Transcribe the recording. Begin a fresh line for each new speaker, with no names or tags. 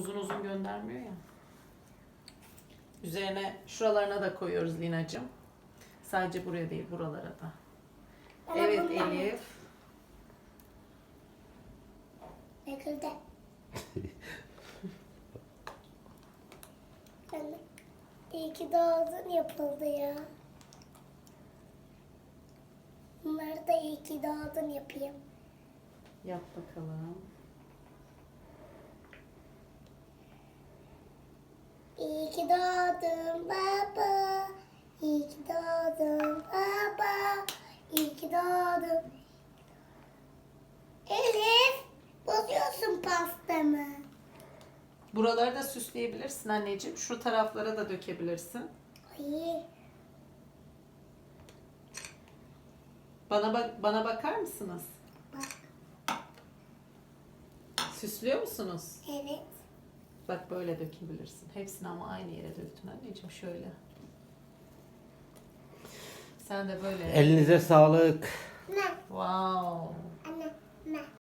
uzun uzun göndermiyor ya. Üzerine şuralarına da koyuyoruz Lina'cığım. Sadece buraya değil, buralara da. Evet Elif.
Yakıldı. Anne, iyi ki doğdun yapıldı ya. Bunları da iyi ki doğdun yapayım.
Yap bakalım.
İyi ki doğdun baba. İyi ki doğdun baba. İyi ki doğdun. Elif, bozuyorsun pastamı.
Buraları da süsleyebilirsin anneciğim. Şu taraflara da dökebilirsin.
Ay,
Bana bakar mısınız?
bak.
Süslüyor musunuz?
Evet.
Bak böyle dökebilirsin. Hepsini ama aynı yere döktün anneciğim şöyle. Sen de böyle.
Elinize sağlık.
Ne?
Wow.